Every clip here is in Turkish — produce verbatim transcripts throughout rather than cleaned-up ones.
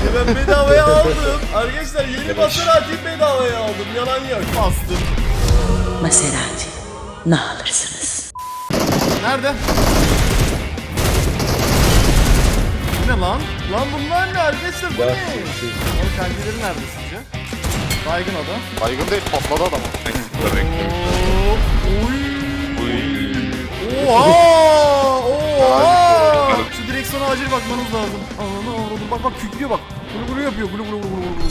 Ben bedavaya aldım. Arkadaşlar yeni Maserati'yi bedavaya aldım. Yalan yok. Bastım. Maserati. Ne alırsınız? Nerede? Bu ne lan? Lan bunlar ne arkadaşlar? Bu ne? Oğlum kendileri nerede sizce? Baygın o da. Baygın değil, patladı adam. Oo, Oy. Oha! Oha! Şu direksiyona acil bakmanız lazım. Ananı avradım. Bak bak kükrüyor bak. Gulu gulu yapıyor. Gulu gulu gulu gulu.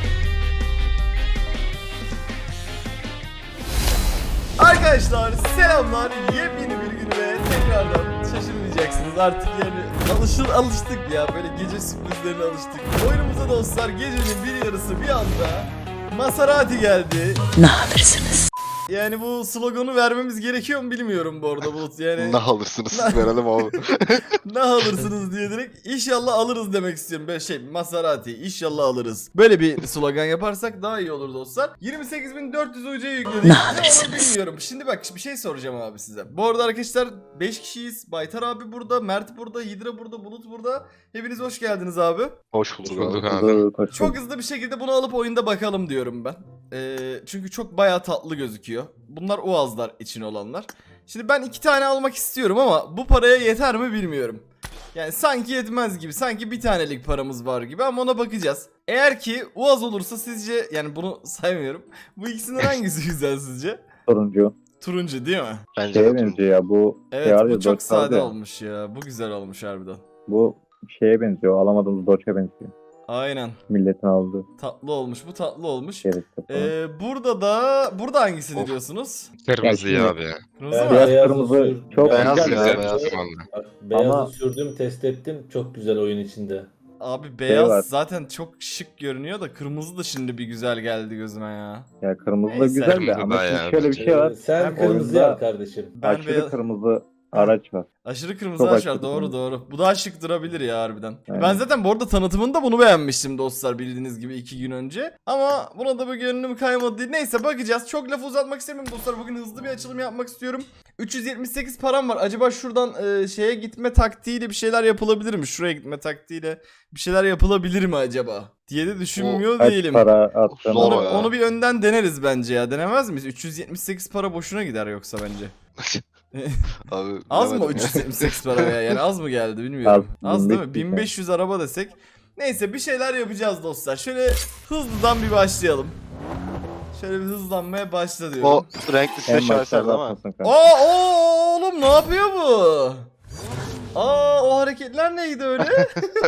Arkadaşlar selamlar. Yepyeni bir gün ve tekrardan şaşırmayacaksınız artık yani alışır alıştık ya böyle gece sürprizlerine alıştık. Oyunumuza dostlar gecenin bir yarısı bir anda Maserati geldi. Ne alırsınız? Yani bu sloganı vermemiz gerekiyor mu bilmiyorum bu arada Bulut yani. Ne alırsınız siz verelim abi. Ne alırsınız diye direkt inşallah alırız demek istiyorum. Böyle şey Maserati inşallah alırız. Böyle bir slogan yaparsak daha iyi olur dostlar. yirmi sekiz bin dört yüz U C yükledik. Ne Ne olur alırsınız? bilmiyorum. Şimdi bak bir şey soracağım abi size. Bu arada arkadaşlar beş kişiyiz. Baytar abi burada, Mert burada, Hidra burada, Bulut burada. Hepiniz hoş geldiniz abi. Hoş bulduk Bulduk abi. abi. Çok hızlı bir şekilde bunu alıp oyunda bakalım diyorum ben. Ee, çünkü çok bayağı tatlı gözüküyor. Bunlar Uazlar için olanlar. Şimdi ben iki tane almak istiyorum ama bu paraya yeter mi bilmiyorum. Yani sanki yetmez gibi. Sanki bir tanelik paramız var gibi ama ona bakacağız. Eğer ki Uaz olursa sizce yani bunu saymıyorum. Bu ikisinden hangisi güzel sizce? Turuncu. Turuncu değil mi? Bence Şeye de benziyor ya bu. Evet şey var bu ya, çok Dodge vardı sade ya. olmuş ya. Bu güzel olmuş harbiden. Bu şeye benziyor. Alamadığımız Dodge'e benziyor. Aynen. Milletin aldığı. Tatlı olmuş. Bu tatlı olmuş. Şeritte falan. Ee, burada da burada hangisini Of. diyorsunuz? Kırmızı Ya ya şimdi- abi ya. Kırmızı Ben mı? Beyaz beyazı kırmızı sür- çok Beyaz güzel. ya, ya. beyaz. Bak, beyazı Ama- sürdüm, test ettim. Çok güzel oyun içinde. Abi beyaz var. zaten çok şık görünüyor da kırmızı da şimdi bir güzel geldi gözüme ya. Ya kırmızı da Neyse. güzel de Kırmızı ama da şimdi ya, şöyle bir bence. şey var. Ee, Sen Ben kırmızı oyunda- al kardeşim. Ben Aşırı beyaz... kırmızı araç var. Aşırı kırmızı Çok ağaç var aşırı doğru kırmızı. doğru. Bu daha şık durabilir ya harbiden. Aynen. Ben zaten bu arada tanıtımında bunu beğenmiştim dostlar bildiğiniz gibi iki gün önce. Ama buna da bir gönlüm kaymadı değil. Neyse bakacağız. Çok lafı uzatmak istemiyorum dostlar. Bugün hızlı bir açılım yapmak istiyorum. üç yüz yetmiş sekiz param var. Acaba şuradan e, şeye gitme taktiğiyle bir şeyler yapılabilir mi? Şuraya gitme taktiğiyle bir şeyler yapılabilir mi acaba? Diye de düşünmüyor Kaç değilim. para attığını Zor Onu, ya. onu bir önden deneriz bence ya. Denemez miyiz? üç yüz yetmiş sekiz para boşuna gider yoksa bence. Abi, Az mı o bilemedim üç yüz ya. yetmiş sekiz para ya? Yani az mı geldi bilmiyorum. Az, Az değil mi? bin beş yüz bin beş yüz araba desek. Neyse bir şeyler yapacağız dostlar. Şöyle hızlıdan bir başlayalım. Şöyle bir hızlanmaya başla diyorum. O renklisine En şaheser başlarda değil mi? atmasın kanka. Aa oo, oğlum ne yapıyor bu? Aa o hareketler neydi öyle?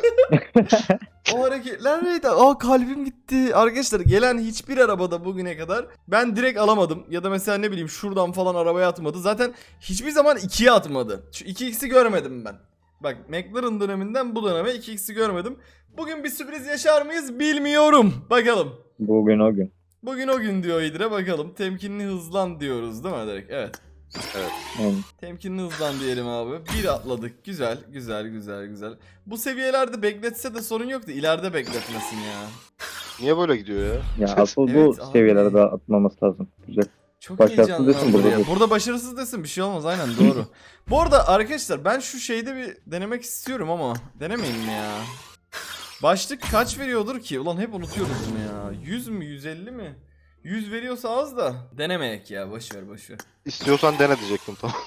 O hareketler neydi? Aa kalbim gitti. Arkadaşlar gelen hiçbir arabada bugüne kadar ben direkt alamadım. Ya da mesela ne bileyim şuradan falan arabaya atmadı. Zaten hiçbir zaman ikiye atmadı. Şu iki x'i görmedim ben. Bak McLaren döneminden bu döneme iki x'i görmedim. Bugün bir sürpriz yaşar mıyız bilmiyorum. Bakalım. Bugün o gün. Bugün o gün diyor İdre bakalım. Temkinli hızlan diyoruz değil mi direkt? Evet. Yani Temkinli hızlan diyelim abi. Bir atladık. Güzel, güzel, güzel, güzel. Bu seviyelerde bekletse de sorun yoktu. İleride bekletmesin ya. Niye böyle gidiyor ya? ya asıl Evet bu abi. seviyelerde atmaması lazım. Güzel. Çok Başarısız heyecanlı. desin burada ya. desin. Burada başarısız desin bir şey olmaz aynen doğru. Bu arada arkadaşlar ben şu şeyde bir denemek istiyorum ama denemeyin mi ya? Başlık kaç veriyordur ki? Ulan hep unutuyoruz bunu ya. yüz mü yüz elli mi? yüz veriyorsa az da denemeyek ya boşver boşver. İstiyorsan dene diyecektim tamam.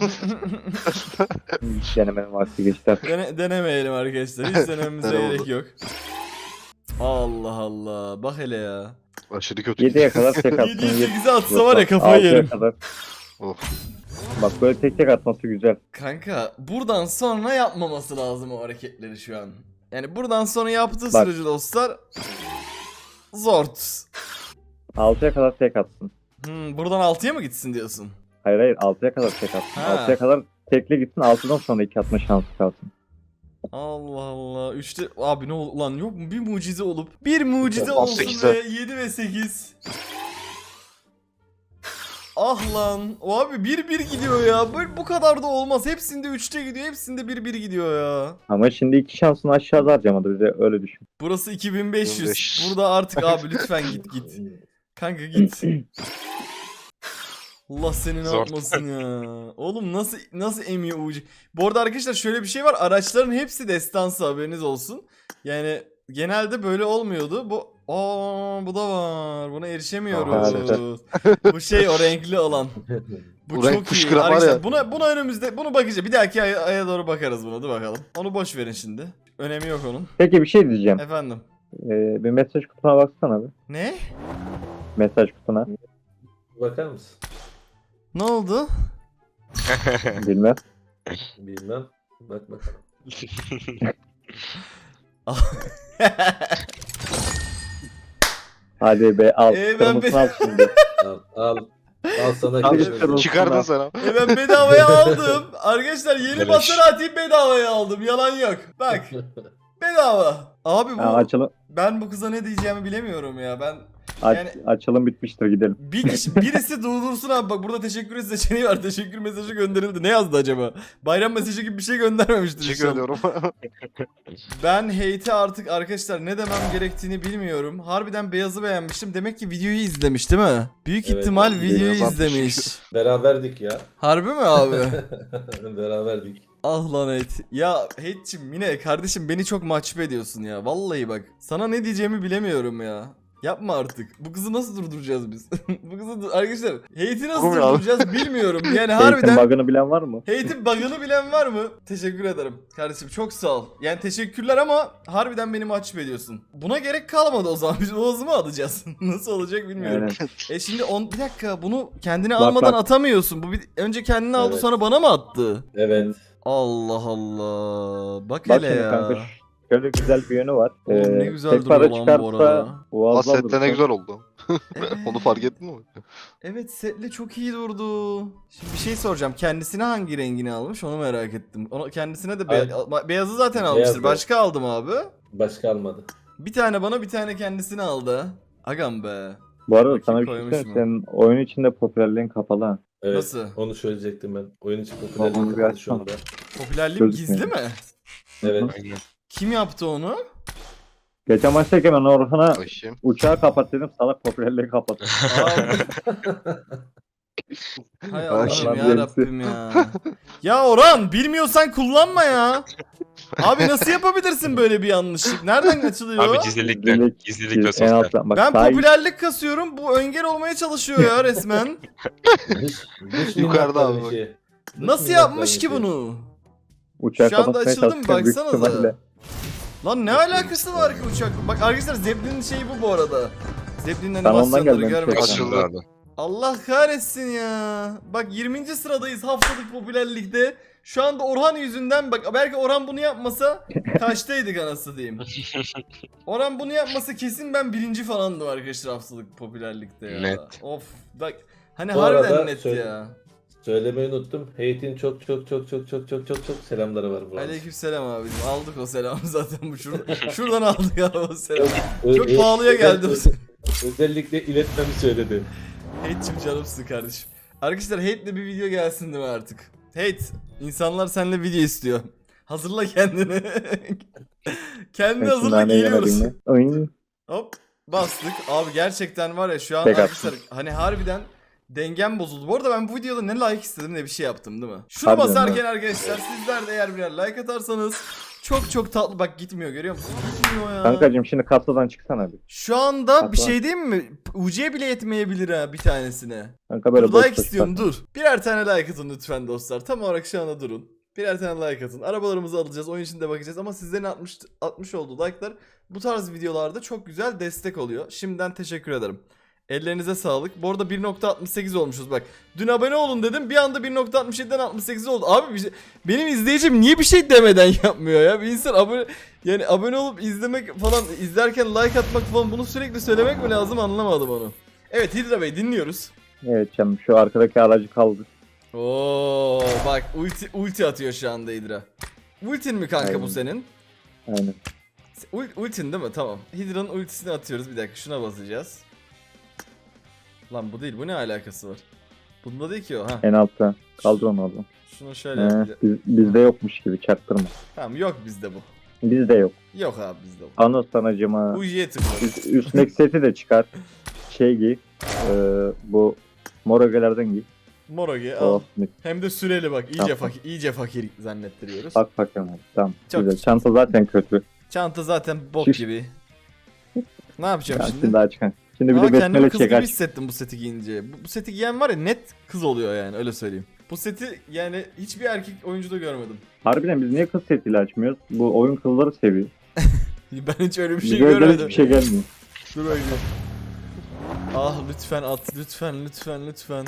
Hiç denemenin vakti geçti artık. Dene, denemeyelim arkadaşlar. Hiç denememize Dene gerek oldu. yok. Allah Allah. Bak hele ya. Aşırı kötü. yediye kadar tek atsın. yediye yedi- sekize atsa var ya kafayı altıya yerim. kadar. Of. Bak böyle tek tek atması güzel. Kanka buradan sonra yapmaması lazım o hareketleri şu an. Yani buradan sonra yaptığı Bak. sürece dostlar zort. altıya kadar tek atsın. Hmm, buradan altıya mı gitsin diyorsun? Hayır hayır altıya kadar tek atsın. Ha. altıya kadar tekli gitsin, altıdan sonra iki atma şansı kalsın. Allah Allah. Üçte abi ne oldu lan yok mu bir mucize olup bir mucize on olsun sekize. ve yedi ve sekiz. Ah lan. O abi bir bir gidiyor ya. Böyle bu kadar da olmaz. Hepsinde üçte gidiyor. Hepsinde bir bir gidiyor ya. Ama şimdi iki şansını aşağıda harcamadı, bize öyle düşün. Burası iki bin beş yüz. bin beş yüz. Burada artık abi lütfen git git. Kanka git. Allah seni ne Zor. yapmasın ya. Oğlum nasıl nasıl emiyor ucu. Bu arada arkadaşlar şöyle bir şey var. Araçların hepsi destansı haberiniz olsun. Yani genelde böyle olmuyordu. Bu aa bu da var. Buna erişemiyoruz. Aha, Bu şey o renkli olan. Bu, Bu çok renk iyi. fışkıran var Arkadaşlar ya. buna buna önümüzde bunu bakacağız. Bir dahaki aya, aya doğru bakarız buna. Dur bakalım. Onu boş verin şimdi. Önemi yok onun. Peki bir şey diyeceğim. Efendim. Ee, bir mesaj kutuna baksana bir. Ne? Mesaj kutuna. Bakar mısın? Ne oldu? Bilmem. Bilmem. Bak bakalım. Hadi be al. Ee, ben Kırmızını al şimdi. Al al. Al sana Al, kırmızı. kırmızı. Çıkardın sen ama. E ben bedavaya aldım. Arkadaşlar yeni Beleş. Maserati'yi bedavaya aldım. Yalan yok. Bak. Bedava. Abi bu Ha, açılım, ben bu kıza ne diyeceğimi bilemiyorum ya. Ben aç, Yani- açılım bitmiştir gidelim. bir kişi birisi durdursun abi, bak burada teşekkür et seçeneği var. Teşekkür mesajı gönderildi. Ne yazdı acaba? Bayram mesajı gibi bir şey göndermemiştir Teşekkür inşallah. ediyorum. Ben hate'e artık arkadaşlar ne demem gerektiğini bilmiyorum. Harbiden Beyaz'ı beğenmiştim. Demek ki videoyu izlemiş değil mi? Büyük Evet, ihtimal evet. videoyu Beyaz izlemiş. Beraberdik ya. Harbi mi abi? Beraberdik. Ah lan hate. Ya hate'cim yine kardeşim beni çok mahcup ediyorsun ya. Vallahi bak. Sana ne diyeceğimi bilemiyorum ya. Yapma artık. Bu kızı nasıl durduracağız biz? Bu kızı dur- arkadaşlar hate'i nasıl Durmuyor abi. durduracağız bilmiyorum. Yani Eğitim harbiden bug'ını bilen var mı? hate'in bug'ını bilen var mı? Teşekkür ederim. Kardeşim çok sağ ol. Yani teşekkürler ama harbiden beni mahcup ediyorsun. Buna gerek kalmadı o zaman. Biz Oğuz'u mu alacağız? Nasıl olacak bilmiyorum. Aynen. E şimdi on, bir dakika bunu kendine Bak, almadan bak. atamıyorsun. Bu bir, önce kendini aldı Evet. sonra bana mı attı? Evet. Allah Allah. Bak, Bak hele şimdi ya. kanka şöyle güzel bir yönü var. Ee, Oğlum ne güzel tek duruyor para lan bu çıkarsa arada. boğazdan Sette ne dursa- güzel oldu. Evet. Onu fark ettin mi? Evet setle çok iyi durdu. Şimdi bir şey soracağım. Kendisine hangi rengini almış onu merak ettim. Onu kendisine de be- Ay- beyazı zaten almıştır. Beyaz, Başka aldım abi. Başka almadı. Bir tane bana bir tane kendisine aldı. Agam be. Bu arada Bakayım sana bir şey koymuş söyleyeyim. mu? Senin oyun içinde popülerliğin kapalı ha. Evet. Nasıl? Onu söyleyecektim ben. Oyun içi Onu popülerliği bir kapalı şu açsana. anda. Popülerliğim Gözükmüyor. gizli mi? Evet. Kim yaptı onu? Geçen maçtayken ben Orhan'a Bakayım. uçağı kapat dedim. Salak popülerliği kapat. Abi. Hay Ay, Allah'ım şimdi ya hepsi. Rabbim ya. Ya Orhan bilmiyorsan kullanma ya. Abi nasıl yapabilirsin böyle bir yanlışlık? Nereden açılıyor? Abi gizlilikle, Gizlilik- gizlilikle En sosyal. alttan bak. Ben sağ- popülerlik kasıyorum. Bu engel olmaya çalışıyor ya resmen. Dış, dış Yukarıda minnakların abi bak. işi. Dış Nasıl minnakların yapmış ki işi. bunu? Uçağı Şu anda kapatmaya açıldı mı? çalışırken büyük Baksanıza. ihtimalle- Lan ne alakası var ki uçak? Bak arkadaşlar Zeppelin'in şeyi bu bu arada. Zeppelin'in Ben ondan animasyonları gelmemiş görmek tekrar. için. Açıldı. Abi. Allah kahretsin ya. Bak yirminci sıradayız haftalık popülerlikte. Şu anda Orhan yüzünden bak belki Orhan bunu yapmasa kaçtaydık anasını diyeyim. Orhan bunu yapmasa kesin ben birinci falandım arkadaşlar haftalık popülerlikte ya. Net. Of bak hani Bu harbiden arada net söyle- ya. Söylemeyi unuttum. Hate'in çok çok çok çok çok çok çok çok selamları var bu arada. Aleykümselam abicim aldık o selamı zaten bu şuradan, şuradan aldık abi o selamı. Ö- Çok ö- pahalıya geldi o ö- selam. Özellikle iletmemi söyledi. Hate'cim canımsın kardeşim. Arkadaşlar hate'le bir video gelsin değil mi artık? Hate, insanlar seninle video istiyor. Hazırla kendini. Kendini Ben hazırla şimdi geliyoruz. yemedim ya. Ay. Hop bastık. Abi gerçekten var ya şu an Tek arkadaşlar hani harbiden dengem bozuldu. Bu arada ben bu videoda ne like istedim ne bir şey yaptım değil mi? Şuna Harbiden basarken arkadaşlar sizler de eğer birer like atarsanız çok çok tatlı bak gitmiyor görüyor musun? Gitmiyor ya. Kankacım şimdi kasadan çıksana bir. Şu anda bir Hatta- şey diyeyim mi? U C bile yetmeyebilir ha bir tanesine. Kanka böyle Dur, boş like boş istiyorum bak. dur. Birer tane like atın lütfen dostlar. Tam olarak şu anda durun. Birer tane like atın. Arabalarımızı alacağız. Oyun içinde bakacağız. Ama sizlerin atmış, atmış olduğu like'lar bu tarz videolarda çok güzel destek oluyor. Şimdiden teşekkür ederim. Ellerinize sağlık. Bu arada bir nokta altmış sekiz olmuşuz bak. Dün abone olun dedim. Bir anda bir nokta altmış yediden altmış sekiz oldu. Abi bir şey- benim izleyicim niye bir şey demeden yapmıyor ya? Bir insan abone yani abone olup izlemek falan izlerken like atmak falan bunu sürekli söylemek mi lazım anlamadım onu. Evet Hidra Bey dinliyoruz. Evet canım şu arkadaki aracı kaldı. Oo bak ulti ulti atıyor şu anda Hydra. Ultin mi kanka Aynen. bu senin? Aynen. Ul- ultin değil mi? Tamam. Hydra'nın ultisini atıyoruz. Bir dakika şuna basacağız. Lan bu değil. Bu ne alakası var? Bunda değil ki o. Ha. En altta. Kaldır onu oğlum. Şunu şöyle He, yapacağız. biz, bizde yokmuş gibi çaktırma. Tamam yok bizde bu. Bizde yok. Yok abi bizde bu. Anıl sanacıma. Uji'ye tıkla. Üst- Üstündeki seti de çıkar. Şey giy. Ee, bu morogelerden giy. Morogi al. Oh, mis. Hem de süreli bak. İyice Tamam. fakir, iyice fakir zannettiriyoruz. Bak bakalım abi. Tamam. Çok güzel. güzel. Çanta zaten kötü. Çanta zaten bok Şiş. gibi. Ne yapacağım Ya şimdi? şimdi daha çıkan. Şimdi bir Ama de kendimi besmele kız gibi çek aç. hissettim bu seti giyince. Bu, bu seti giyen var ya net kız oluyor yani, öyle söyleyeyim. Bu seti yani hiçbir erkek oyuncuda görmedim. Harbiden biz niye kız setiyle açmıyoruz? Bu oyun kızları seviyor. Ben hiç öyle bir şey Bize özel görmedim. hiçbir şey gelmiyor. Dur bakayım. Ah lütfen at, lütfen lütfen lütfen.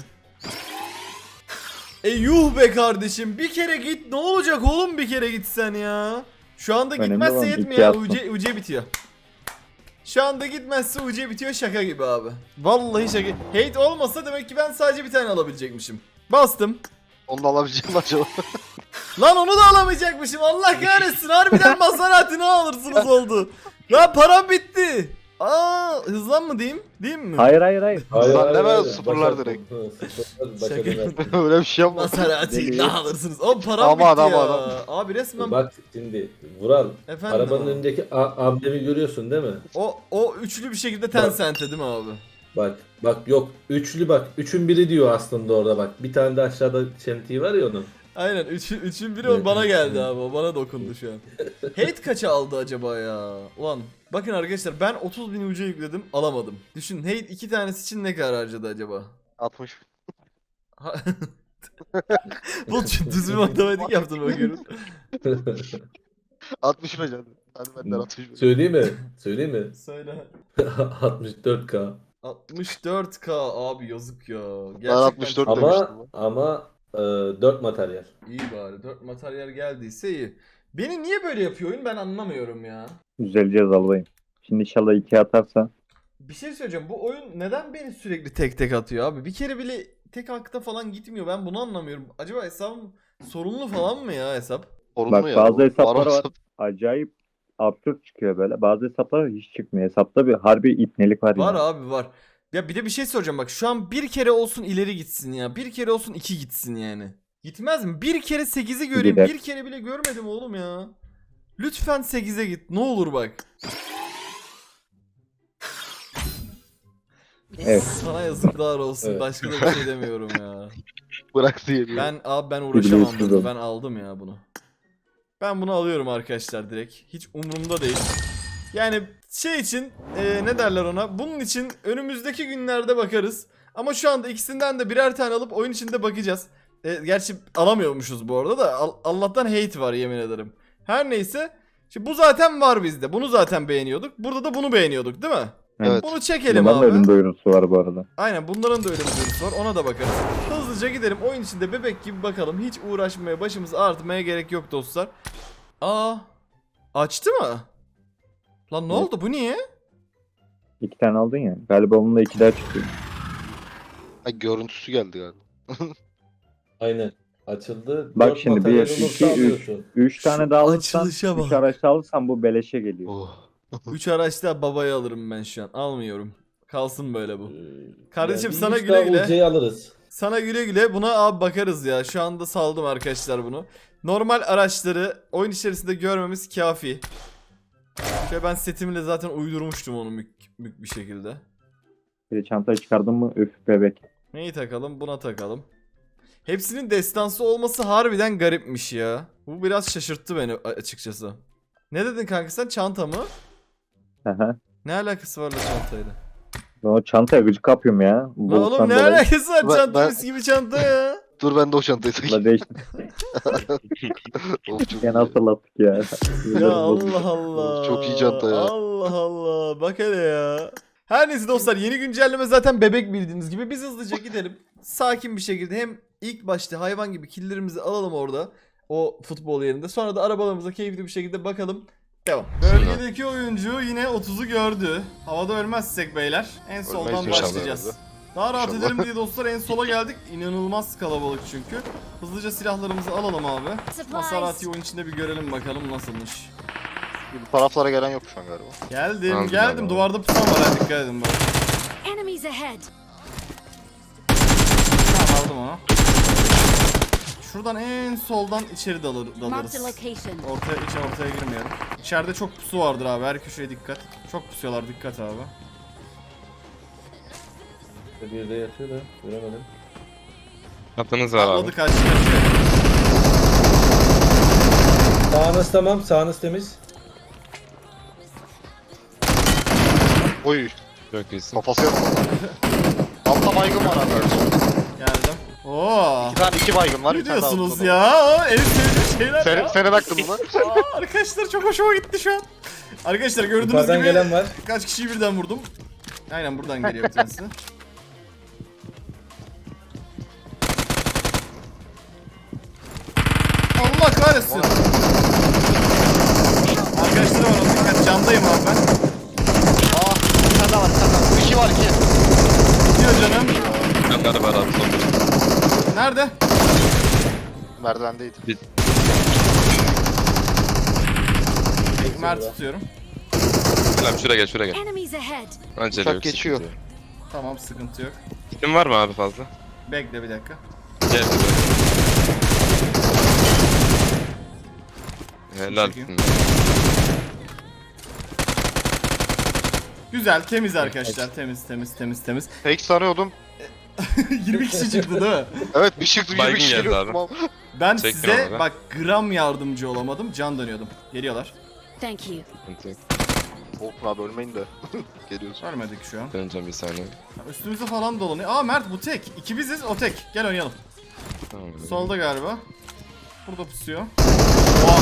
E yuh be kardeşim, bir kere git, ne olacak oğlum, bir kere gitsen ya. Şu anda Önemli gitmezse olan yetmiyor iki ya, yapma. U C, U C bitiyor. Şu anda gitmezse U C bitiyor, şaka gibi abi. Vallahi şaka. Hate olmasa demek ki ben sadece bir tane alabilecekmişim. Bastım. Onu da alabileceğim acaba. Lan onu da alamayacakmışım, Allah kahretsin, harbiden Maserati ne alırsınız oldu. Lan param bitti. Aa hızlan mı diyeyim? Diyeyim mi? Hayır hayır hayır. Hayır, Lan hayır, deme, hayır. sıfırlar Başa- direkt. Hı, sıfırlar, başa Şaka. dönersin. Öyle bir şey yapma. Maserati Deli. ne alırsınız? O param Ama bitti adam, ya. adam. Abi resmen Bak şimdi Vural, efendim. arabanın abi. önündeki a- ablemi görüyorsun değil mi? O o üçlü bir şekilde Tencent'e değil mi abi? Bak bak yok üçlü bak üçün biri diyor aslında orada bak bir tane de aşağıda çentiği var ya onun. Aynen üçün, üçün biri o bana geldi abi, o bana dokundu şu an. Hate kaça aldı acaba ya? Ulan bakın arkadaşlar, ben otuz bin U C yükledim, alamadım. Düşün, Hate iki tanesi için ne kadar harcadı acaba? altmış. Ha- Bu düz bir matematik yaptın bakıyorum. altmış mı canım? Hadi benden altmış mı? Söyleyeyim mi? Söyleyeyim mi? Söyle. altmış dört K. altmış dört K abi, yazık ya. Ben altmış dört Ama demiştim. ama e, dört materyal. İyi bari, dört materyal geldiyse iyi. Beni niye böyle yapıyor oyun, ben anlamıyorum ya. Düzeleceğiz albayım. Şimdi inşallah iki atarsa. Bir şey söyleyeceğim, bu oyun neden beni sürekli tek tek atıyor abi? Bir kere bile tek hakta falan gitmiyor, ben bunu anlamıyorum. Acaba hesabım sorunlu falan mı ya hesap? Sorun Bak mu ya? bazı Bu hesaplar Baron var. hesap- Acayip absürt çıkıyor böyle. Bazı hesaplar hiç çıkmıyor. Hesapta bir harbi ipnelik var, Var yani. abi var. Ya bir de bir şey soracağım, bak şu an bir kere olsun ileri gitsin ya. Bir kere olsun iki gitsin yani. Gitmez mi? Bir kere sekizi göreyim. Gider. Bir kere bile görmedim oğlum ya. Lütfen sekize git. Ne olur bak. Evet. Sana yazıklar olsun. Evet. Başka da bir şey demiyorum ya. Bıraktı yedi. Ben abi ben uğraşamam Biliyorsunuz bunu. oğlum. Ben aldım ya bunu. Ben bunu alıyorum arkadaşlar direkt. Hiç umurumda değil. Yani şey için e, ne derler ona? Bunun için önümüzdeki günlerde bakarız. Ama şu anda ikisinden de birer tane alıp oyun içinde bakacağız. E, gerçi alamıyormuşuz bu arada da. Al- Allah'tan hate var, yemin ederim. Her neyse. Şimdi bu zaten var bizde. Bunu zaten beğeniyorduk. Burada da bunu beğeniyorduk değil mi? Evet. Bunu çekelim Bunların da abi. ölüm duyurusu var bu arada. Aynen, bunların da öyle bir duyurusu var, ona da bakarız. Hızlıca gidelim oyun içinde bebek gibi bakalım. Hiç uğraşmaya, başımızı ağrıtmaya gerek yok dostlar. Aa, açtı mı? Lan ne Evet. oldu, bu niye? İki tane aldın ya. Galiba onunla iki daha çıkıyor. Ha, görüntüsü geldi galiba. Aynen. Açıldı. Bak Dört şimdi bir, materyal iki, olursa üç. alıyorsun. Üç tane daha alırsan, açılışa bak. üç araç daha alırsan bu beleşe geliyor. Oh. Üç araçta babaya alırım ben şu an. Almıyorum. Kalsın böyle bu. Ee, Kardeşim bir sana yüz güle daha güle. U C'yi alırız. Sana güle güle, buna abi bakarız ya. Şu anda saldım arkadaşlar bunu. Normal araçları oyun içerisinde görmemiz kafi. Şöyle ben setimle zaten uydurmuştum onu mük, mük bir şekilde. Bir de çantayı çıkardın mı üf bebek. Neyi takalım? Buna takalım. Hepsinin destansı olması harbiden garipmiş ya. Bu biraz şaşırttı beni açıkçası. Ne dedin kanka sen? Çanta mı? Aha. Ne alakası var la çantayla? Ben o çantaya gıcık kapıyorum ya. La Buluttan oğlum ne dolayı. alakası var? Ben- Çanta ben- mis gibi çanta ya. Dur ben de o çantayı takayım. La değişti. Of, çok Gene iyi. hatırlattık ya. Ya Allah Allah. Çok iyi çanta ya. Allah Allah. Bak hele ya. Her neyse dostlar, yeni güncelleme zaten bebek bildiğiniz gibi. Biz hızlıca gidelim. Sakin bir şekilde hem ilk başta hayvan gibi killlerimizi alalım orada. O futbol yerinde. Sonra da arabalarımıza keyifli bir şekilde bakalım. Devam. Bölgedeki oyuncu yine otuzu gördü. Havada ölmezsek beyler en soldan Ölmeyiz inşallah başlayacağız. herhalde. Daha rahat İnşallah. edelim diye dostlar en sola geldik. İnanılmaz kalabalık çünkü. Hızlıca silahlarımızı alalım abi. Maserati oyun içinde bir görelim bakalım nasılmış. Bu taraflara gelen yok şu an galiba. Geldim Aldım geldim, galiba. duvarda pusan var ha, dikkat edin bak. Enemies ahead. Tamam, aldım onu. Şuradan en soldan içeri dalır, Marked a dalarız. location. Ortaya, içe ortaya girmeyelim. İçeride çok pusu vardır abi, her köşeye dikkat. Çok pusuyorlar, dikkat abi. Bir de yatıyor da göremedim. Atınız var abi. Atladı, kaçtı kaçtı. Sağınız tamam, sağınız temiz. Oy. Çok iyisin. Kafası yok. Altta baygın var abi. Geldim. Oo. Bir tane iki baygın var. Ne bir tane daha diyorsunuz altta ya? O en sevdiğim şeyler Senin, ya. senin aklında. Aa, arkadaşlar çok hoşuma gitti şu an. Arkadaşlar gördüğünüz Yukarıdan gibi gelen var. kaç kişiyi birden vurdum. Aynen buradan geliyor bir tanesi. Allah kahretsin. Arkadaşlar var onun dikkat, candayım abi ben. Aa, bir tane daha var, bir tane daha. İki var, iki. Gidiyor canım. Yanları var abi son. Nerede? Merdivendeydi. Mert tutuyorum. Gel abi şuraya gel şuraya gel. Enemies ahead. Acele Uçak yok. geçiyor. sıkıntı yok. Tamam sıkıntı yok. Kitin var mı abi fazla? Bekle bir dakika. Gel. Helal. Çekeyim. Güzel, temiz arkadaşlar. Temiz, temiz, temiz, temiz. Fake sanıyordum. yirmi kişi çıktı değil mi? Evet, bir çıktı, yirmi Baygın kişi geldi geliyor. abi. Tamam. Ben Çektim size onu da. bak gram yardımcı olamadım. Can dönüyordum. Geliyorlar. Thank you. Sıkıntı yok. Korkma abi, ölmeyin de. Geliyorsun. Vermedik şu an. Döneceğim bir saniye. Ha, üstümüzde falan dolanıyor. Aa Mert bu tek. İki biziz, o tek. Gel oynayalım. Tamam. abi. Solda galiba. Burada pusuyor. Oha.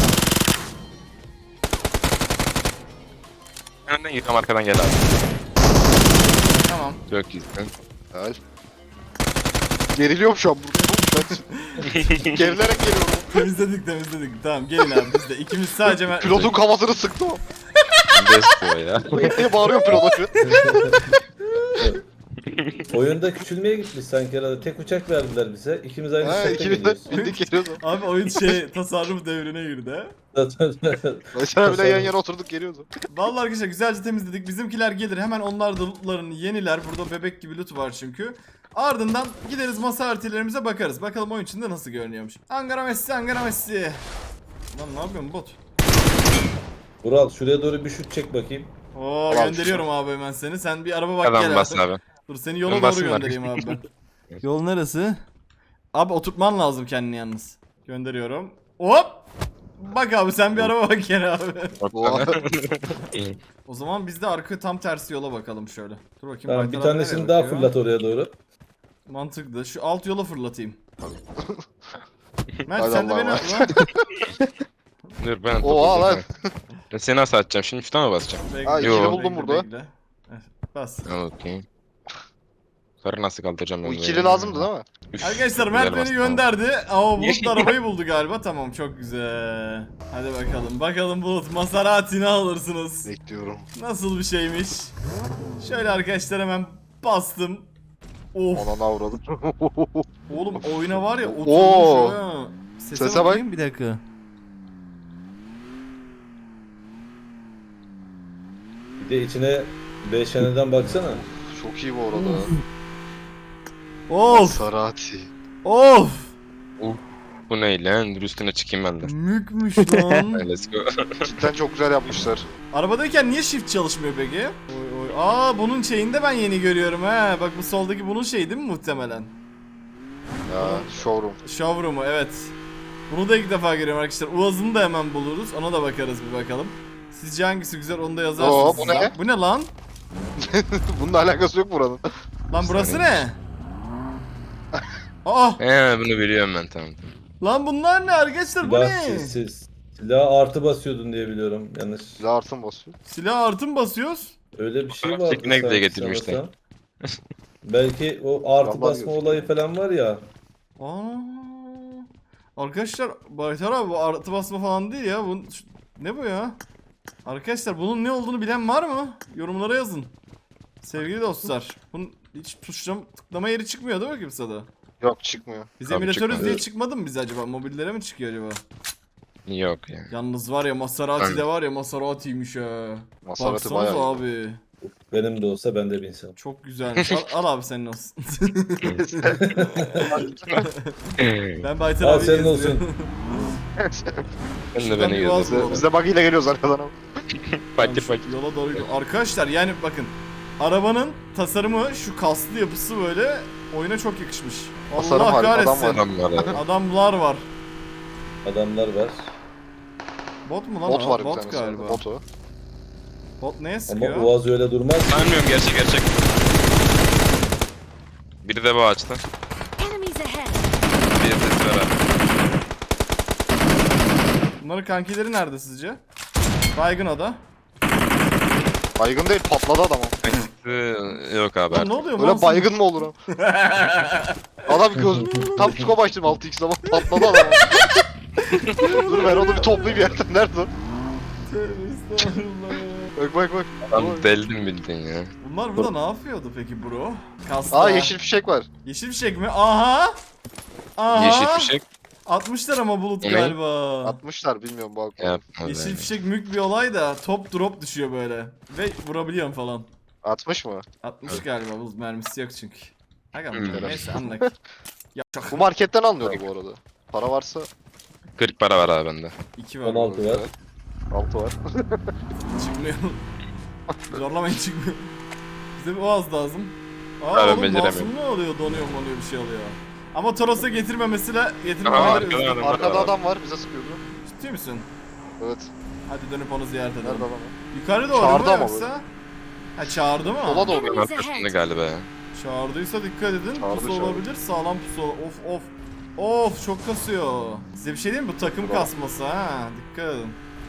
Önden git ama arkadan gel abi. Tamam. Çok iyisin. Gel. Geriliyorum şu an burada. Ben gerilerek geliyorum. Temizledik, temizledik. Tamam gelin abi biz de. İkimiz sadece Mert. Pilotun kafasını sıktı o. Best boy ya. diye bağırıyor pilot şu. Oyunda küçülmeye gitmiş sanki herhalde. Tek uçak verdiler bize. İkimiz aynı Ha, uçakta ikimiz de geliyoruz. bindik geliyoruz. Abi oyun şey tasarruf devrine girdi. Mesela bile yan yana oturduk geliyoruz. Vallahi arkadaşlar güzelce temizledik. Bizimkiler gelir hemen onlar da lootlarını yeniler. Burada bebek gibi loot var çünkü. Ardından gideriz masa haritalarımıza bakarız. Bakalım oyun içinde nasıl görünüyormuş. Ankara Messi, Ankara Messi. Lan ne yapıyorsun bot? Vural şuraya doğru bir şut çek bakayım. Oo Ulan gönderiyorum abi hemen seni. Sen bir araba bak Adam gel bas abi. abi. Dur seni yola Ben doğru basayım göndereyim abi ben. Yol neresi? Abi oturtman lazım kendini yalnız. Gönderiyorum. Hop! Bak abi sen bir araba bak gel abi. Oha. O zaman biz de arka tam tersi yola bakalım şöyle. Dur bakayım. Tamam Baytar bir abi tanesini nereye daha bakıyor? fırlat oraya doğru. Mantıklı. Şu alt yola fırlatayım. Mert Hadi sen de Allah'a beni emanet. atma. Dur ben Oha lan. Ben seni nasıl atacağım? Şimdi şuna mı basacağım? Bekle, Ha, ikili bekle, buldum bekle, burada. bekle. Heh, bas. Okey. Yukarı nasıl kaldıracağım ben Bu böyle? ikili lazımdı değil mi? Üf, Arkadaşlar güzel Mert beni bastın gönderdi. Ama Bulut da arabayı buldu galiba. Tamam çok güzel. Hadi bakalım. Bakalım Bulut Maserati ne alırsınız? Bekliyorum. Nasıl bir şeymiş? Şöyle arkadaşlar hemen bastım. Of. Ona avradım. Oğlum oyuna var ya oturmuş Oo. ha. Sese, Sese bak. bakayım bir dakika. Bir de içine beş yaneden baksana. Çok iyi bu arada. Of. Sarati. Of. Bu ne lan? Dur üstüne çıkayım ben de. Mükmüş lan. Hadi let's go. Cidden çok güzel yapmışlar. Arabadayken niye shift çalışmıyor peki? Oy oy. Aa bunun şeyini de ben yeni görüyorum ha. Bak bu soldaki bunun şeyi değil mi muhtemelen? Ya showroom. Showroom'u evet. Bunu da ilk defa görüyorum arkadaşlar. Uaz'ını da hemen buluruz. Ona da bakarız bir bakalım. Sizce hangisi güzel onu da yazarsınız. Oo, bu siz. ne? Bu ne lan? Bununla alakası yok buranın. Lan burası ne? Aa He bunu biliyorum ben tamam. lan bunlar ne arkadaşlar bu Silah ne? sessiz. Silah artı basıyordun diye biliyorum yanlış. Silah artın basıyor. Silah artın basıyoruz. Öyle bir şey Fotoğraf vardı. çekmek bile sanki getirmişler. sanırsam. Belki o artı Vallahi basma gözüküyor. olayı falan var ya. Aa. Arkadaşlar Baytar abi bu artı basma falan değil ya. Bu, şu- ne bu ya? Arkadaşlar bunun ne olduğunu bilen var mı? Yorumlara yazın. Sevgili dostlar. Bunun hiç tuşlam tıklama yeri çıkmıyor değil mi kimsede? Yok çıkmıyor. Biz Tabii emülatörüz çıkmadı. diye çıkmadı mı biz acaba? Mobillere mi çıkıyor acaba? Yok ya. Yalnız var ya Maserati de var ya Maserati'ymiş ha. Maserati Baksanıza bayağı iyi. abi. Benim de olsa ben de binsem. Çok güzelmiş. Al, al abi senin olsun. Ben Baytar Al abi senin olsun. Ben de Şuradan beni bir vaz yazdım. bulalım. Biz de bug ile geliyoruz arkadan ama. Fakir Şu fakir. Yola doğru gidiyor. Arkadaşlar yani bakın. Arabanın tasarımı şu kaslı yapısı böyle oyuna çok yakışmış. Tasarım Allah harika, adam kahretsin. var. Adam var abi. Adamlar var. Adamlar var. Bot mu lan? Bot o? var bir Bot tanesi. galiba. Bot o. Bot neye Ama sıkıyor? Uaz öyle durmaz. Sanmıyorum gerçek gerçek. Biri de bu ağaçta. Enemies ahead! Bir sesi var abi. Bunların kankileri nerede sizce? Baygın o da. Baygın değil patladı adam o. Ee, Yok abi Lan artık. ne oluyor? Böyle Monsun? baygın mı olur abi? Adam göz tam scope açtım altı x zaman patladı adam. Dur ben onu bir toplayayım yerden. Nerede o? Tövbe estağfurullah. Bak bak bak. Lan deldim bildin ya. Bunlar burada ne yapıyordu peki bro? Kasta. Aa yeşil fişek var. Yeşil fişek mi? Aha! Aha! Yeşil fişek Atmışlar ama bulut O ne? galiba. Atmışlar bilmiyorum bak. yapma Yeşil be. fişek mük bir olay da top drop düşüyor böyle. Ve vurabiliyorum falan. Atmış mı? Atmış galiba, bulut mermisi yok çünkü. Aga Hmm. neyse anlak. Ya çok. Bu marketten alınıyordu bu arada. Para varsa kırk para var abi bende. iki var. on altı var. altı var. Çıkmıyor. Zorlamayın çıkmıyor. Bize bir oğaz lazım. Aa Ben oğlum beceremiyorum. masum ne oluyor? Donuyor monuyor bir şey oluyor. Ama Toros'a getirmemesiyle Aa, getirmemeleri arkadan üzüldüm. adam. Arkada adam var bize sıkıyordu. Ciddi misin? Evet. Hadi dönüp onu ziyaret Nerede edelim. adam? Yukarı doğru Çağırdı mu ama yoksa? Ha çağırdı mı? Sola doğru. Hemen arkasında galiba ya. Çağırdıysa dikkat edin. Çağırdı, pusu çağırdı. olabilir. Sağlam pusu. Of of. Of çok kasıyor. Size bir şey diyeyim mi? Bu takım Bravo. kasması ha. Dikkat edin.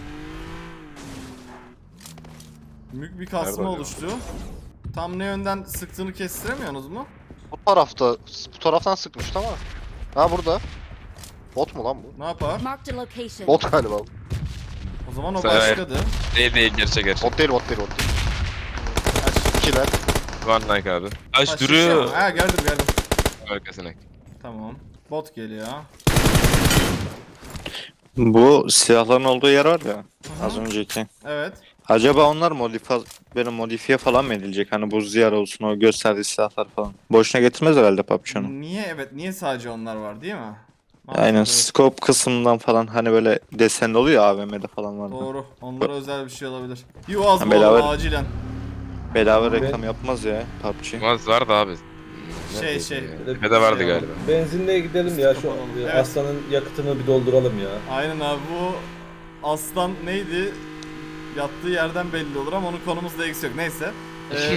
Büyük bir kasma Nerede oluştu. Tam ne yönden sıktığını kestiremiyorsunuz mu? Bu tarafta, bu taraftan sıkmıştı ama. Ha burada. Bot mu lan bu? Ne yapar? Marked a location. Bot galiba. O zaman o Sen- başkadır. Değil değil gerçek gerçek. Bot değil, bot değil, bot değil. Kaç. İkiler. One like abi. Aç Kaç duruyor. kişi? Ha geldim geldim. Arkasına. Tamam. Bot geliyor. Bu silahların olduğu yer var ya az önceki. Evet. Acaba onlar modifiye, böyle modifiye falan mı edilecek? Hani buz diyar olsun o gösterdiği silahlar falan. Boşuna getirmez herhalde P U B G onu. Niye evet niye sadece onlar var değil mi? Aynen Mantıklı. scope kısmından falan hani böyle desenli oluyor ya A V M'de falan var. Doğru. Onlara özel bir şey olabilir. Bir oğaz Ha, bulalım bedava- acilen. Bedava reklam yapmaz ya P U B G. Maz vardı abi. Şey, Neredeydi şey. ya? Tepede vardı galiba. Benzinliğe gidelim ya şu Kapalı. e, Evet. aslanın yakıtını bir dolduralım ya. Aynen abi bu aslan neydi? Yattığı yerden belli olur ama onun konumuzda eksi yok. Neyse. Ee,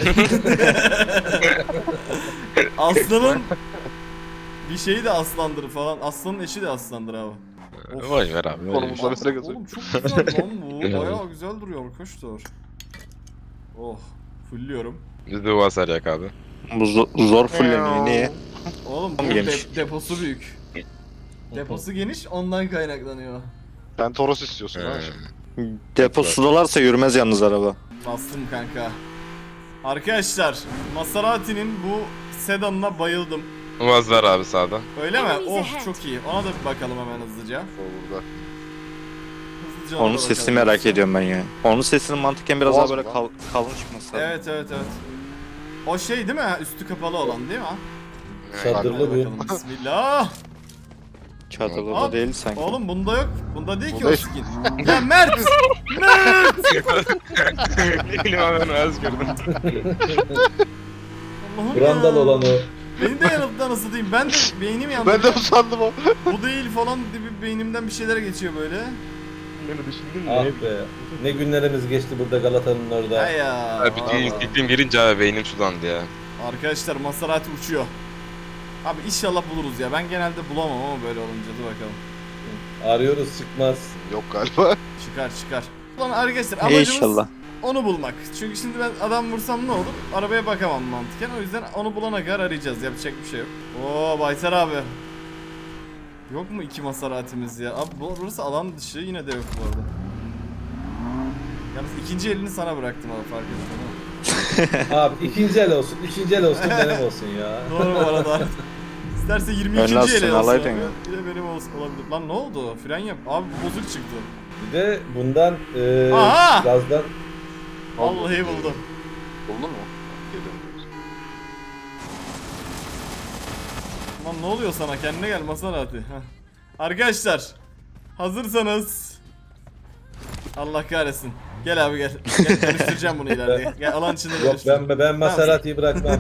Aslanın bir şeyi de aslandır falan. Aslanın eşi de aslandır abi. Of. Vay ver abi. Konumuzda mesele Oğlum gözü. çok güzel lan bu. Evet. Bayağı güzel duruyor arkadaşlar. Oh. Fulluyorum. Biz de o hasar yak abi. Bu zo- zor fulleniyor niye? Oğlum bu Tam de- geniş. deposu büyük. Deposu geniş ondan kaynaklanıyor. Sen Toros istiyorsun ha. Ee, Deposu dolarsa yürümez yalnız araba. Bastım kanka. Arkadaşlar Maserati'nin bu sedanına bayıldım. Maz var abi sağda. Öyle mi? Enemies Oh ahead. çok iyi. Ona da bir bakalım hemen hızlıca. O burada. Hızlıca ona Onun da sesini bakalım. merak ediyorum ben ya. Onun sesinin mantıken biraz Boğaz daha mı böyle lan? kal kalın çıkması lazım. Evet evet evet. O şey değil mi? Üstü kapalı olan değil mi? Çadırlı Hadi bu. bakalım bismillah. Çadırlı Aa, da değil sanki. Oğlum bunda yok. Bunda değil ki Bunda o yok. skin. Ya Mert! Mert! Ne bileyim abi ben az gördüm. Allah'ım Brandal ya. olan o. Beni de yanılttı nasıl diyeyim. Ben de beynim yandı. Ben de bu sandım o. Bu değil falan diye bir beynimden bir şeyler geçiyor böyle. Ah be. Ne günlerimiz geçti burada Galata'nın orada. Ha ya. Abi bütün istiklim girince abi beynim sulandı ya. Arkadaşlar Maserati uçuyor. Abi inşallah buluruz ya. Ben genelde bulamam ama böyle olunca dur bakalım. Arıyoruz çıkmaz. Yok galiba. Çıkar çıkar. Ulan arkadaşlar amacımız İnşallah. onu bulmak. Çünkü şimdi ben adam vursam ne olur? Arabaya bakamam mantıken. O yüzden onu bulana kadar arayacağız. Yapacak bir şey yok. Oo Baytar abi. Yok mu iki Maserati'miz ya? Abi bu- burası alan dışı yine de yok bu arada. Yalnız ikinci elini sana bıraktım abi fark ettin değil mi? Abi ikinci el olsun, üçüncü el olsun benim olsun ya. Doğru bu arada. İsterse yirmi ikinci Önlersin, ele olsun alaydın abi. ya. Bir de benim olsun olabilir. Lan ne oldu? Fren yap. Abi bu bozuk çıktı. Bir de bundan e, Aha! gazdan Vallahi buldum. Buldun mu? Lan ne oluyor sana? Kendine gel Maserati. Heh. Arkadaşlar hazırsanız Allah kahretsin. Gel abi gel. Gel dönüştüreceğim bunu ileride. Gel alan içinde yok dönüştür. ben ben Maserati'yi bırakmam.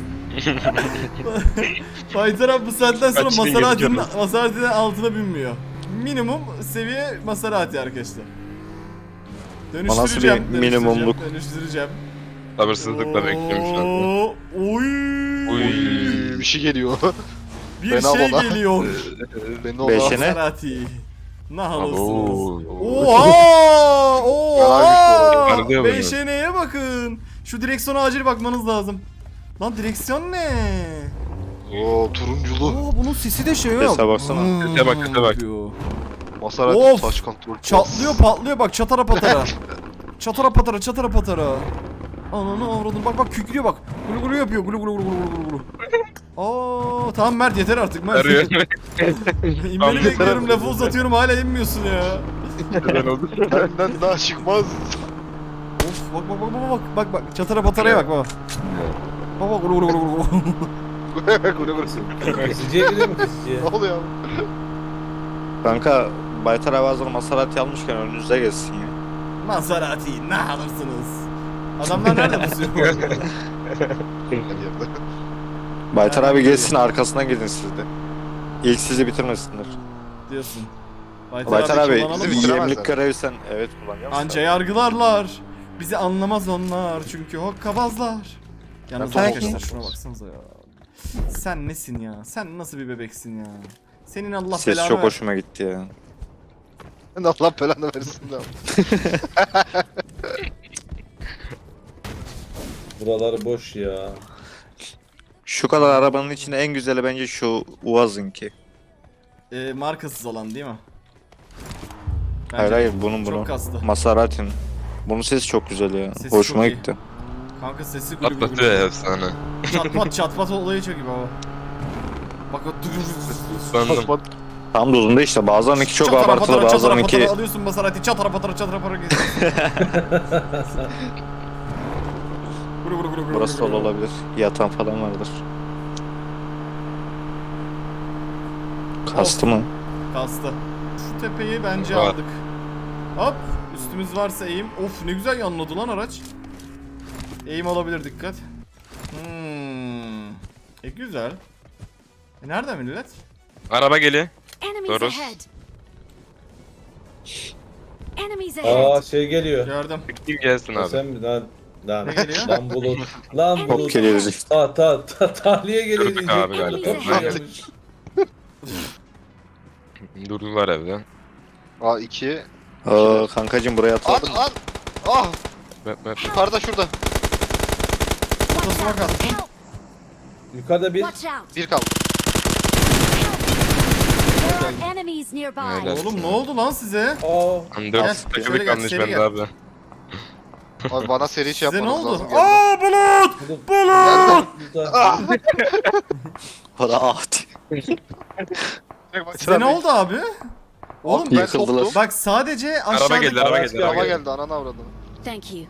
Fighter abi bu saatten sonra Kaç bin Maserati'nin gözüküyor? Maserati'den altına binmiyor. Minimum seviye Maserati arkadaşlar. Dönüştüreceğim. bir minimumluk? Dönüştüreceğim. Dönüştüreceğim. Sabırsızlıkla bekliyorum şu anda. Oo, Oy. Uy. Bir şey geliyor. Bir Fena şey baba. geliyor. Beni o Beşine. Ne? Maserati. Ne halısınız? Oo. Oha! Oha! Parlıyor mu ya? Beşeneye bakın. Şu direksiyona acil bakmanız lazım. Lan direksiyon ne? Oo turunculu. Oo bunun sesi de şey yok. Sese baksana. Hmm, Sese bak, sese bak. yapıyor. Maserati Of! taş kontrol. Çatlıyor patlıyor bak çatara patara. çatara patara çatara patara. Ananı avradın bak bak kükrüyor bak. Gulu gulu yapıyor gulu gulu gulu gulu gulu. Aa tamam Mert yeter artık Mert. Arıyor. İnmeni bekliyorum lafı uzatıyorum hala inmiyorsun ya. Neden oldu? Benden daha çıkmaz. Of bak bak bak bak bak bak bak çatara pataraya bak bak. Bak bak gulu gulu gulu gulu. Kule burası. Kesiciye gidiyor mu kesiciye? Ne oluyor abi? Kanka Baytar abi hazır Maserati almışken önünüzde geçsin ya. Maserati ne alırsınız? Adamlar nerede pusuyor? Her yerde. Baytar abi geçsin arkasından gidin siz de. İlk sizi bitirmesinler. diyorsun. Baytar abi kullanalım mı? bizi- yemlik görevi sen evet kullanıyor musun? Anca yargılarlar. Bizi anlamaz onlar çünkü hokkabazlar. Yalnız Ben arkadaşlar peki. şuna baksanıza ya. Sen nesin ya? Sen nasıl bir bebeksin ya? Senin Allah Ses belanı çok ver. hoşuma gitti ya. Allah belanı versin de. Buraları boş ya. Şu kadar arabanın içinde en güzeli bence şu Uaz'ınki. Ee, markasız olan değil mi? Bence Hayır hayır bunun çok bunu. kastı. Maserati'nin. Bunun sesi çok güzel ya. Sesi Hoşuma çok iyi. gitti. Kanka sesi gülü gülü Atlatıyor gülü. ya efsane. Çatpat çatpat olayı çok iyi baba. Bak o Sandım. Tam dozunda işte bazılarınınki çok Çatara abartılı patara, çatara bazılarınınki patara alıyorsun Maserati çatara patara çatara patara geziyorsun. Gulu gulu gulu gulu burası gulu dolu gulu. olabilir. Yatan falan vardır. Kastı mı? Kastı. Şu tepeyi bence Var. aldık. Hop. Üstümüz varsa eğim. Of ne güzel yanladı lan araç. Eğim olabilir dikkat. Hmm. E güzel. E nerede millet? Araba geliyor. Enemies Doğru. ahead. Enemies Aa ahead. şey geliyor. Gördüm. Kim gelsin abi? Sen mi lan? Lan, Ne geliyor? lan bulut. Lan Hop bulut. geliyoruz işte. Ta ta ta tahliye geliyor Kırdık diyecek. abi galiba. Enemies Top ahead. gelmiş. Durdular evde. A iki. Aa, kankacım buraya At atladın mı? at. Ah Bak bak. yukarıda şurada. Watch Kafasına out. kalktım. Help. Yukarıda bir Watch out. Bir kaldı. There are enemies nearby. Helal. Oğlum ne oldu lan size? aa Hani Gel, dört şöyle takımı gel, kalmış seri bende gel. abi. Abi bana seri şey Size ne yapmanız oldu? lazım. geldi. Aa bulut! bulut. Bulut! Burada. Para at. Size ne oldu abi? Oğlum Ben Yıkıldılar. koptum. bak sadece Araba aşağıdaki... geldi, araba Araç geldi, araba Araba geldi. geldi ananı avradım. Thank you.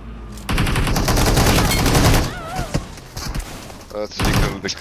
Evet. Yıkıldık.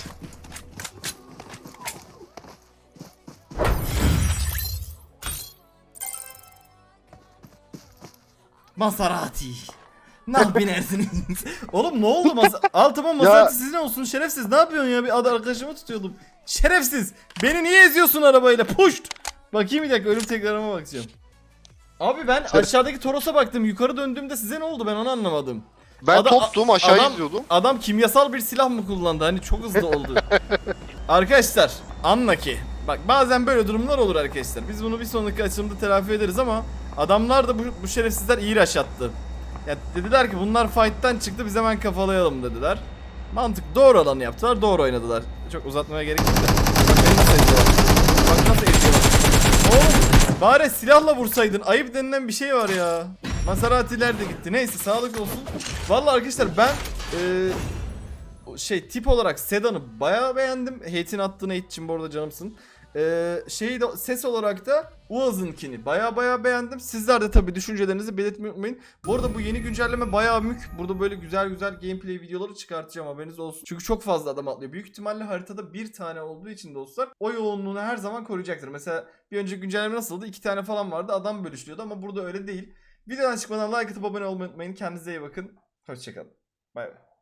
Maserati. Nah binersiniz. Oğlum ne oldu masa? Altıma Maserati sizin olsun şerefsiz. Ne yapıyorsun ya? Bir ad arkadaşımı tutuyordum. Şerefsiz. Beni niye eziyorsun arabayla? Puşt. Bakayım bir dakika ölüm tekrarıma bakacağım. Abi ben aşağıdaki Toros'a baktım. Yukarı döndüğümde size ne oldu? Ben onu anlamadım. Ben Ada- toptum aşağı adam- izliyordum. Adam kimyasal bir silah mı kullandı? Hani çok hızlı oldu. Arkadaşlar anla ki. Bak bazen böyle durumlar olur arkadaşlar. Biz bunu bir sonraki açılımda telafi ederiz ama adamlar da bu, bu şerefsizler iyi rush attı. Ya dediler ki bunlar fight'tan çıktı biz hemen kafalayalım dediler. Mantık doğru olanı yaptılar, doğru oynadılar. Çok uzatmaya gerek yok da. Bak beni nasıl eziyorlar. Bak nasıl eziyorlar. Oğlum bari silahla vursaydın. Ayıp denilen bir şey var ya. Maserati'ler de gitti. Neyse sağlık olsun. Vallahi arkadaşlar ben eee şey tip olarak Sedan'ı bayağı beğendim. Hate'in attığın hate için bu arada canımsın. Ee, şeyi de ses olarak da Uaz'ınkini bayağı bayağı beğendim. Sizler de tabii düşüncelerinizi belirtmeyi unutmayın. Bu arada bu yeni güncelleme bayağı mük. Burada böyle güzel güzel gameplay videoları çıkartacağım haberiniz olsun. Çünkü çok fazla adam atlıyor. Büyük ihtimalle haritada bir tane olduğu için dostlar o yoğunluğunu her zaman koruyacaktır. Mesela bir önceki güncelleme nasıldı? İki tane falan vardı. Adam bölüşüyordu ama burada öyle değil. Videodan çıkmadan like atıp abone olmayı unutmayın. Kendinize iyi bakın. Hoşçakalın. Bay bay.